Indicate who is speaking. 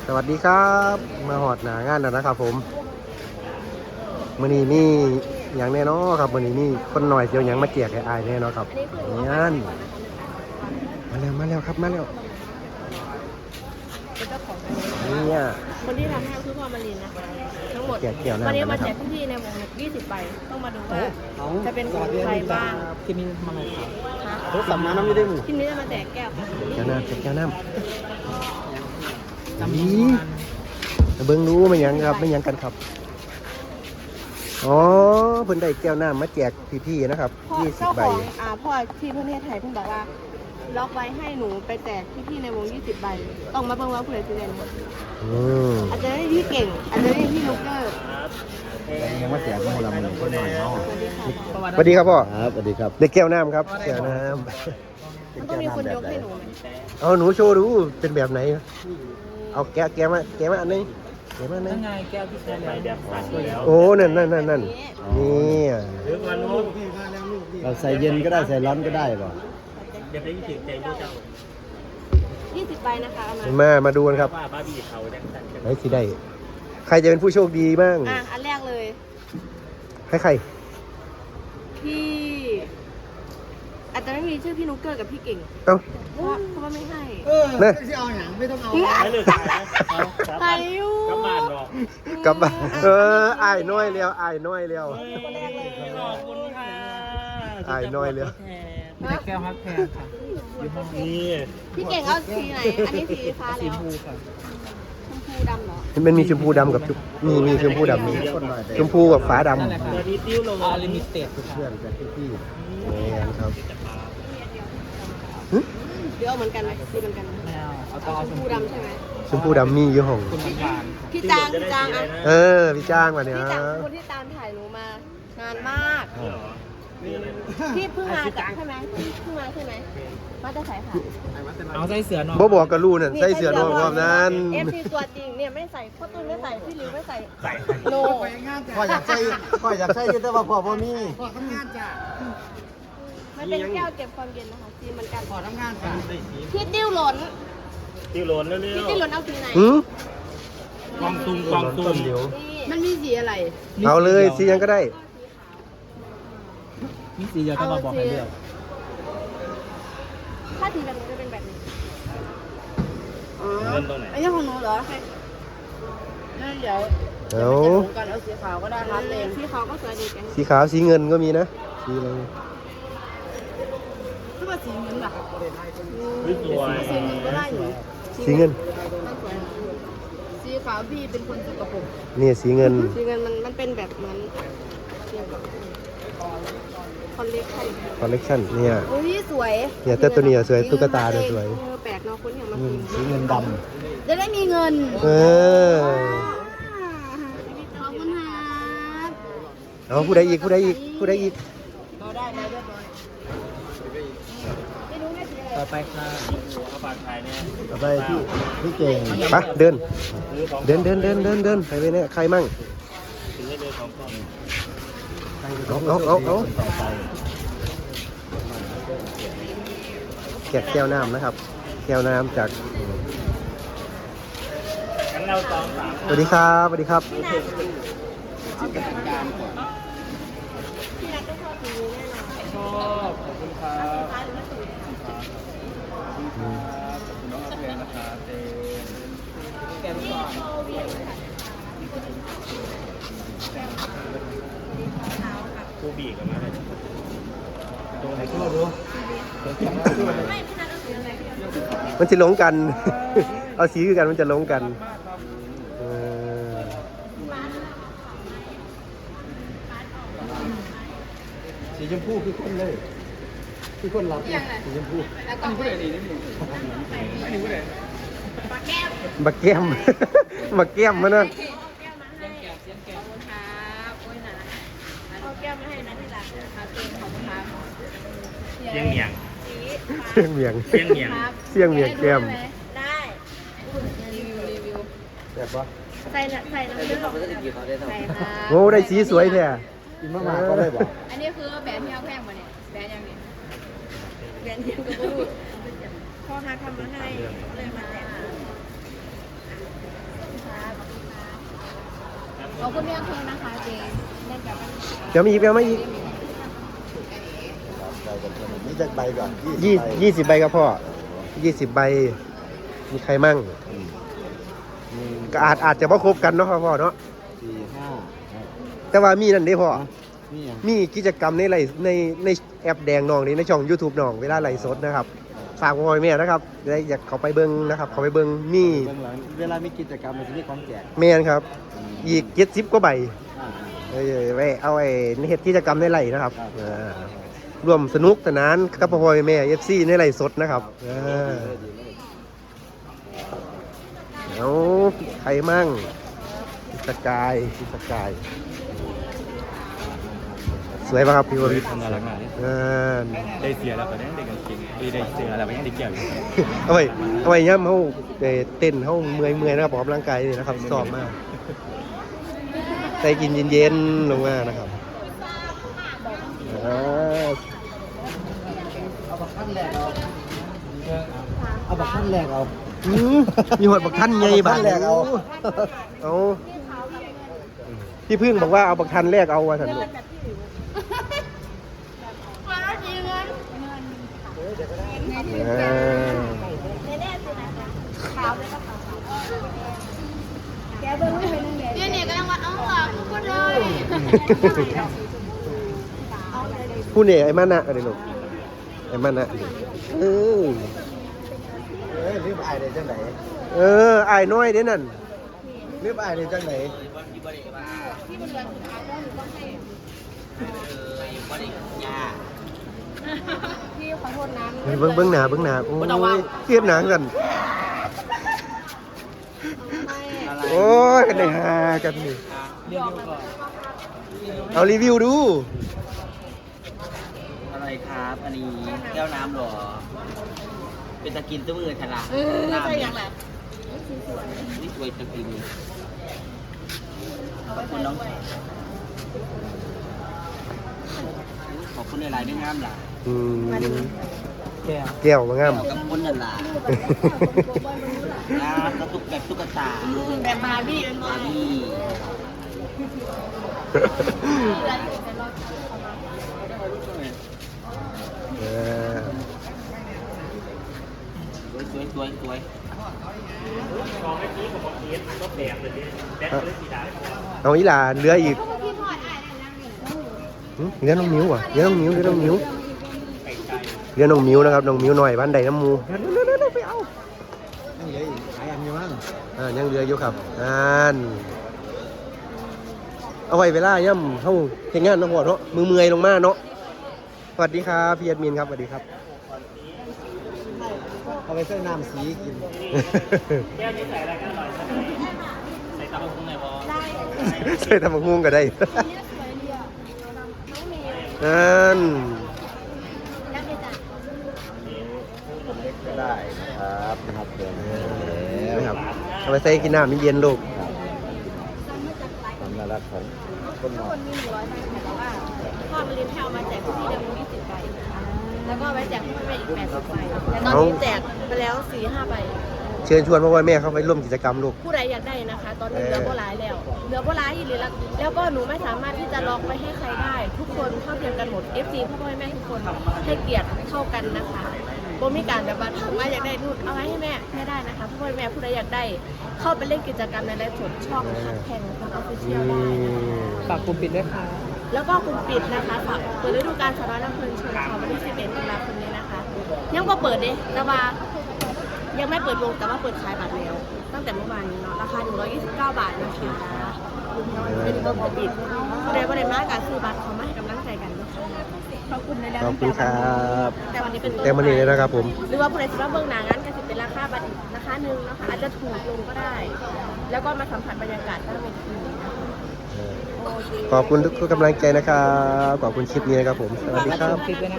Speaker 1: สวัสดีครับมาหอดหนางานแล้วนะครับผมมื้อนี้มีอย่างแน่นอนครับมื้อนี้มีคนหน่อยเดียวยังมาแจกให้อายแน่นอนครับนี่มาแล้วครับมาแล้ว
Speaker 2: เป็นเจ้าของ
Speaker 1: เนี่ย
Speaker 2: คนที่ทำให้คือพ่อมารินนะคะทั้งหมด
Speaker 1: แจกเกี่ยวน้ำ
Speaker 2: วันนี้
Speaker 1: นะ
Speaker 2: มา
Speaker 1: ค
Speaker 2: แจ
Speaker 1: รับ
Speaker 2: กพี่ในวง20 ใบต้องมาดูว่าจะเป็นของใครบ้าง
Speaker 3: ที่นี่ทำอะไรครับ
Speaker 2: คะ
Speaker 1: รถสัมมาน้ำไม่ได้หมู่
Speaker 2: ที่นี้จะมาแจกแก้วค่ะ
Speaker 1: แก้วน้ำแก้วน้ำ
Speaker 3: จำน
Speaker 1: นี่
Speaker 3: วน
Speaker 1: เบิ่งรู้ไม่ยังครับไม่ยังกันครับอ๋อเพิ่นได้แก้วน้ำมาแจกพี่ๆนะครับ
Speaker 2: พ่อเจ้า
Speaker 1: 20 ใบ
Speaker 2: ของพ่อที่ประเทศไทยเพิ่งบอกว่าล็อกไว้ให้หนูไปแจกพี่ในวง20 ใบต้องมาเบิ่งว่าผู้ใดจะเล่น
Speaker 1: อืม
Speaker 2: อาจจะได้พี่เก่งอาจจะได้พี่ลูกเกอร์
Speaker 3: ยังว่าแจกโมละมันคนหน่อยเนาะ
Speaker 2: สวัสดีค่ะ
Speaker 1: สวัสดีครับพ่อ
Speaker 3: ครับสวัสดีครับ
Speaker 1: ได้แก้วน้ำครับแก้วน้
Speaker 2: มันต้องมีคนยกให้หนูไหม
Speaker 1: ำเอาหนูโชว์ดูเป็นแบบไหนเอาแกะมาอันนี้แกะมาอันนี้
Speaker 3: ยังไงแก้วที่ใช้แบบสั่นแล้ว
Speaker 1: โอ้นั่นนี่
Speaker 3: เราใส่เย็นก็ได้ใส่ร้อนก็ได้ป่ะ
Speaker 2: 20 ใบนะคะเอามา
Speaker 1: มาดูกันครับไหนสิได้ใครจะเป็นผู้โชคดีบ้าง
Speaker 2: อันแรกเลย
Speaker 1: ใคร
Speaker 2: พี่อาจจะไม่มีชื่อพี่นุกเกอร์กับพี่เก่ง
Speaker 1: เอ้า
Speaker 2: เพราะว่าไม่ให้
Speaker 1: เนี่ย
Speaker 3: ที่เอาอย่างไม่ต้องเอา
Speaker 2: ใครอยู่
Speaker 1: กลับบ้านอ้ายน้อยแล้วอ้ายน้อยแล้ว
Speaker 2: คนแรกเลย
Speaker 3: ขอบคุณค่ะ
Speaker 1: อ้ายน้อยแล้ว
Speaker 3: แก้วฮักแพงค่ะอยู่ห้องนี้
Speaker 2: พี่เก่งเอาสีไหน อันนี้สีฟ้า
Speaker 3: สี
Speaker 2: แล้ว
Speaker 3: ฟูค่ะ
Speaker 2: ชมพูดำเหรอ
Speaker 1: มันมีชมพูดำกับมีชมพูดำมีชมพูกับฟ้าดำ
Speaker 3: นั่นแหละค่ะติ้วลงลิมิเต็ดเพื่อนกับพี่
Speaker 1: นี่ครับ
Speaker 2: เดี๋ยวเอาเหมือนกันไหมสีเหมือนกันไหม
Speaker 3: แมวเอาต่อ
Speaker 2: ชมพูดำใช่ไหม
Speaker 1: ชมพูดำมีอยู่ห้อง
Speaker 3: คุณหวาน
Speaker 2: พี่จางอ่ะ
Speaker 1: พี่จ้างมาเนี่ย
Speaker 2: พี่จางเป็นคนที่ตามถ่ายหนูมานานมาก พี่เพิ่งมาจากใช่ไหมเพิ่งมาใช่ไหมมาจะใส่ค่ะ
Speaker 3: เอาใส่เสือหน่อย
Speaker 1: บ่บอกกับลูนั่นใส่เสื้อนอกรอบนั้น
Speaker 2: FC ตัวจริงเนี่ยไม่ใส่พ่อตุ้ยไม่ใส่พี่หลิวไม่ใส่โน
Speaker 3: พ่ออยากใส่แต่ว่าพ่อมี
Speaker 2: มันเป็นแก้วเก็บความเย็นนะคะสีเหมือนกัน
Speaker 3: ขอทำงานจ้ะ
Speaker 2: พี่ติ้วหล่น
Speaker 4: ที่โหลนเร็ว
Speaker 2: พี่ติ้วหล่นเอาสีไหน
Speaker 4: กองตุ้มกองตุ้ม
Speaker 1: เดี๋ยว
Speaker 2: มันมีสีอะไร
Speaker 1: เอาเลยสียังก็ได้
Speaker 3: มีสีเดียวก็มาบอกให้เลือก
Speaker 2: ถ้าสีแบบนี้จะเป็นแบบนี้
Speaker 4: เริ่มตรงไหน
Speaker 2: อันนี้ของหนูเหรอนั่นเดี๋ยว
Speaker 1: เอา
Speaker 2: กันเอาสีขาวก็ได้ครับเองสีขาวก็สวยดีกัน
Speaker 1: สีขาวสีเงินก็มีนะสีอะไร
Speaker 2: คือว่าสีเงินแบบ
Speaker 4: สวย
Speaker 2: สีเงินก็ได้อยู่
Speaker 1: สีเงิน
Speaker 2: มันสวยสีขาวพี่เป็นคนสกปรก
Speaker 1: นี่สีเงิน
Speaker 2: สีเงินมันเป็นแบบเหมือนคอนเล็กชัน
Speaker 1: คอลเลกชันเนี่ย
Speaker 2: อุ้ยสวย
Speaker 1: เนี่ยแต่ตัวนี้สวยตุ๊กตาเนี่ยสวย
Speaker 2: แปลกเนาะคนที่เอามากิน
Speaker 3: สีเงินด
Speaker 2: จะได้มีเงิน
Speaker 1: เออ
Speaker 2: ขอบคุณครับ
Speaker 1: เอาผู้ใดอีก
Speaker 2: เราได้แล้วเรียบร้อยไม่รู้แม่สีอะไร
Speaker 3: ำต่อไปค่ะ
Speaker 4: เอาปากถ่ายเนี่ย
Speaker 3: ต่อไปพี่เก่ง
Speaker 1: ไปเดิน
Speaker 4: ซื้อของ
Speaker 1: เดินใครไปเนี่ยใครมั่ง
Speaker 4: ซื้อให้เดินของกล้อง
Speaker 1: เอาแกะแก้วน้ำนะครับ แก้วน้ำจาก
Speaker 4: งั้นเราสองสาม
Speaker 1: สวัสดีครับสวัสดีครับ
Speaker 2: พี่นัทต้องชอบสีนี้แน่นอน
Speaker 3: ชอบขอบคุณครับ
Speaker 2: ฟ้าหรือไม่สี
Speaker 3: น้องกาแฟนะครับแก้ม
Speaker 2: นี่
Speaker 3: ก่อน
Speaker 2: โชว์เวียนค่ะ
Speaker 4: คู่บีกันมาเลย
Speaker 3: ตรงไหนก็รู้
Speaker 2: ไม่พี่นัทเอาสีอะไรพี่เอา
Speaker 1: มันจะหลงกัน เอาสีคือกันมันจะหลงกันเออ
Speaker 3: สีชมพูคือคนเลยคือคนรับสีชมพู
Speaker 2: แล้วก็ไม่ดีนิดนึงปลาแก้ว
Speaker 1: มาแก้ม มาแก้มมานะ
Speaker 2: เอาแก้วมาให้ขอบคุณครับโอ้ยนะเอาแก้วมาให้นะที่รักครับเองขอบคุณครับ
Speaker 4: เชียงเหนียง
Speaker 1: เสียงเมียง
Speaker 4: เชียงเหนียง
Speaker 1: เสียงเมียงแก้ม
Speaker 2: ได้รีวิว
Speaker 1: แบบว่า
Speaker 2: ใส่น้ำเลือดใส่ค่ะ
Speaker 1: โอ้ได้สีสวยแท้
Speaker 3: กินมากๆก็ได้บอก
Speaker 2: อันนี้คือแบรนด์ที่เอาแพงมาเนี่ยแบรนด์ยังเนี่ยแบรนด์เดียวกับพ่อค้าทำมาให้เลยมาแจกขอบคุณพี่อำเภอนะคะเจเล่นกับกัน
Speaker 1: เดี๋ยวมีอีกเดี๋ยวมาอีก
Speaker 3: นี่จะใบก่อน
Speaker 1: 20 ใบครับพ่อ20 ใบมีใครมั่งก็อาจจะบ่ครบกันเนาะครับพ่อเนาะ
Speaker 3: 4
Speaker 1: แต่ว่ามีนั่นเด้พ่อ
Speaker 3: 5นี่ยัง
Speaker 1: มีกิจกรรมในไลฟ์ในแอปแดงน้องนี่ในช่อง YouTube น้องเวลาไลฟ์สดนะครับฝากพ่อแม่นะครับได้อยากเขาไปเบิ่งนะครับเขาไปเบิ่งมี
Speaker 3: เบื้องหลังเวลามีกิจกรรมมันจะมีของแจก
Speaker 1: แม่นครับ อีก70กว่าใบ
Speaker 3: อ่า
Speaker 1: ไว้เอาไอ้เฮ็ดกิจกรรมในไลฟ์นะครับ
Speaker 3: ครับ
Speaker 1: ร่วมสนุกสนานกับพ่อแม่ FC ในไลฟ์สดนะครับเอาใครมั่งพิสกายสวยป่ะครับพี่วริศ
Speaker 4: ทำงานหลังงาน ได้เสียแล้วก็ได้กางเกงได้เสียแล้วก็ยังได้เกี่ยวอยู่
Speaker 1: เอาไว้ย่ำเขาเต้นเขาเมื่อยนะครับออกกำลังกายนี่นะครับซ้อมมากใส่กินเย็นๆลงมานะครับ
Speaker 3: เอาบักขั้นแรกเอา
Speaker 1: มีหอดบักท่านไงบ้าง
Speaker 3: แรกเอา
Speaker 1: เอาพี่พึ่งบอกว่าเอาบักทันแรกเอาว่าสันลูก
Speaker 2: มาจริงเงิน
Speaker 1: อ่า
Speaker 2: แน่ๆสินะคะขาวเลยก็ขาวแกเบิ้งไม่เป็นยังไงเนี่ยก็ยังว่าเอาหลังพูดเลย
Speaker 1: ผู้เนี่ยไอ้มันนะอะไรลูกไอ้มันนะเออ
Speaker 3: รีบอายได้จังไหน
Speaker 1: ไอ้น้อยเด้นั่น
Speaker 3: รีบอายได้จังไหน
Speaker 2: พี่ขอโทษนะ
Speaker 1: เบิ้งหนาโอ้ยเครียดหนากันโอ้ยกันได้ฮากันนี่เอารีวิวดู
Speaker 5: อะไรครับ อันนี้แก้วน้ำเหรอ เป็นตะกินตัวมือฉลาด
Speaker 2: ใช่ยังไง
Speaker 5: นี่สวยตะกินขอบคุณน้องขอบคุณในหลายๆไม่งามหล่ะ
Speaker 1: แก้วมางาม
Speaker 5: กับคนนั่นล่ะงามกระตุกแบบตุ๊กตา
Speaker 2: แบบบาร์บี้เป็นบาร์บี้
Speaker 5: นี่ สวย
Speaker 1: เอาอีหลาเหลืออีกเหลือน้องมิ้วอ่ะเหลือน้องมิ้วนะครับน้องมิ้วหน่อยบ้านใดน้ำมูเร็วไปเอา
Speaker 3: ยังเหลืออีกหลายอันอยู่มั้ง
Speaker 1: ยังเหลืออยู่ครับเอาไว้เวลาย่ำเข้าเฮ็ดงานเนาะพ่อเนาะมือเมื่อยลงมาเนาะสวัสดีครับพี่แอดมินครับสวัสดีครับ
Speaker 3: เอาไปใส่น้ำสีกิน
Speaker 4: แก้วนี้ใส่อะไรก็อร่อยใส่ตะบงในบอ
Speaker 2: ได้
Speaker 1: ใส่ทำมังงก็ได้
Speaker 2: เนี่ยสวยดีอ่ะน้องเมย์
Speaker 1: นั่น
Speaker 2: รักเลยจ้ะ
Speaker 3: เล็กก็ได้นะครับเดี๋ยว
Speaker 1: นะครับเอาไปใส่กินน้ำเย็นๆลูก
Speaker 3: ความน่ารักของคนห
Speaker 2: ทุ
Speaker 3: ม
Speaker 2: ก
Speaker 3: อ
Speaker 2: คนมี100ใบแต่ว่าพ่อมาเรียนแถวมาแจกพี่เดิม20 ใบแล้วก็ไปแจกพ่อแม่อีก80 ใบแต่ตอนนี้แจกไปแล้ว 4-5 ใบ
Speaker 1: เชิญชวนพ่อแม่เข้าไปร่วมกิจกรรมลูก
Speaker 2: ผู้ใดอยากได้นะคะ ตอนนี้เหลือโบราณอีกเลยแล้วก็หนูไม่สามารถที่จะล็อกไปให้ใครได้ ทุกคนเท่าเทียมกันหมด FC พ่อแม่ทุกคนให้เกียรติเท่ากันนะคะโบมีการแบบว่าถามว่าอยากได้นู่นเอาไว้ให้แม่ไม่ได้นะคะพ่อแม่ผู้ใดอยากได้ เข้าไปเล่นกิจกรรมในไลฟ์สดช่องคัดแข่งของออฟฟิเชียลได้นะคะ
Speaker 6: ฝากกลุ่มปิดด้วยค่ะ
Speaker 2: แล้วก็กลุ่มปิดนะคะฝากเปิดฤดูกาลสาวน้อยลำเพลินโชว์ค่ะวันที่11ตุลาคมนี้นะคะยังก็เปิดเด้แต่ว่ายังไม่เปิดวงแต่ว่าเปิดขายบัตรแล้ว ตั้งแต่เมื่อวานนี้เนาะราคา129 บาทนะคะเป็นกลุ่มปิดผู้ใดว่าได้มากการซื้อบัตรเขามาให้กำลังใจกันนะคะขอบคุณในแล้ว
Speaker 1: ขอบคุณครับ
Speaker 2: แต่วันนี้เป็นต้น
Speaker 1: แต่มันนี่เลยนะครับผม
Speaker 2: หรือว่าผู้ใดสิว่าเบื้องหน้างั้นก็จะเป็นราคาบัตรอีกราคาหนึ่งนะคะอาจจะถูกลงก็ได้ แล้วก็มาสัมผัสบรรยากาศด้านเวทีนะคะโอเค
Speaker 1: ขอบคุณทุกกำลังใจนะครับ ขอบคุณคลิปนี้นะครับผม สวัสดีครับ
Speaker 6: ปิดด้วยนะ